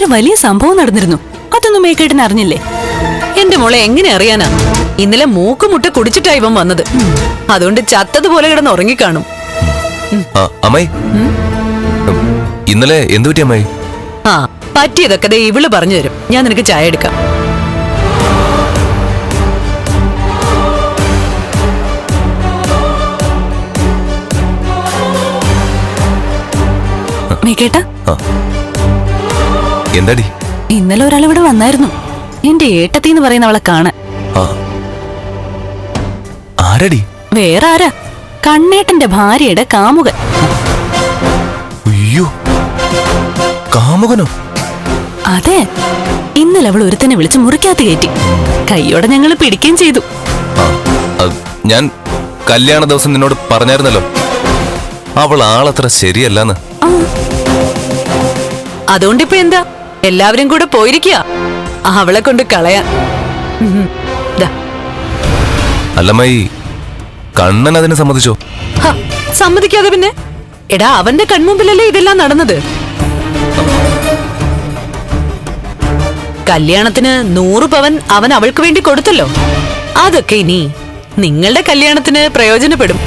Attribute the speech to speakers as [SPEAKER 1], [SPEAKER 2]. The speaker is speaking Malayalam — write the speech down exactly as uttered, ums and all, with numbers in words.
[SPEAKER 1] ഇന്നലെ വലിയ സംഭവം നടന്നിരുന്നു. അതൊന്നും മേക്കേട്ടന് അറിഞ്ഞില്ലേ?
[SPEAKER 2] എന്റെ മോളെ എങ്ങനെ അറിയാനാ? ഇന്നലെ മൂക്കുമുട്ട കുടിച്ചിട്ടാ ഇവൻ വന്നത്. അതുകൊണ്ട് ചത്തതുപോലെ കിടന്ന് ഉറങ്ങിക്കാണും.
[SPEAKER 3] അമ്മായി, ഇന്നലെ എന്തു പറ്റി അമ്മായി?
[SPEAKER 2] ആ പറ്റിയതൊക്കെ ദേ ഇവള് പറഞ്ഞു തരും. ഞാൻ നിനക്ക് ചായ എടുക്കാം.
[SPEAKER 1] മേക്കേട്ട,
[SPEAKER 3] എന്താടി?
[SPEAKER 1] ഇന്നലെ ഒരാളിവിടെ വന്നായിരുന്നു. എന്റെ ഏട്ടത്തി എന്ന് പറയുന്ന അവളെ കാണാൻ.
[SPEAKER 3] ആരടി?
[SPEAKER 1] വേറെ ആരാ, കണ്ണേട്ടന്റെ ഭാര്യയുടെ കാമുകൻ.
[SPEAKER 3] അയ്യോ, കാമുകനോ?
[SPEAKER 1] അതെ, ഇന്നലെ അവൾ ഒരുത്തനെ വിളിച്ച് മുറിക്കകത്ത് കയറ്റി. കൈയോടെ ഞങ്ങൾ പിടിക്കുകയും ചെയ്തു.
[SPEAKER 3] ഞാൻ കല്യാണ ദിവസം നിന്നോട് പറഞ്ഞായിരുന്നല്ലോ, അവൾ ആളത്ര ശരിയല്ലെന്ന്.
[SPEAKER 2] അതുകൊണ്ടിപ്പോ എന്താ, എല്ലാവരും കൂടെ പോയിരിക്കുക അവളെ കൊണ്ട് കളയാൻ.
[SPEAKER 3] അല്ലമ്മായി, കണ്ണൻ അതിന് സമ്മതിച്ചോ?
[SPEAKER 2] സമ്മതിക്കാതെ പിന്നെ? എടാ, അവന്റെ കൺമുമ്പിലല്ലേ ഇതെല്ലാം നടന്നത്. കല്യാണത്തിന് നൂറ് പവൻ അവൻ അവൾക്ക് വേണ്ടി കൊടുത്തല്ലോ. അതൊക്കെ ഇനി നിങ്ങളുടെ കല്യാണത്തിന് പ്രയോജനപ്പെടും.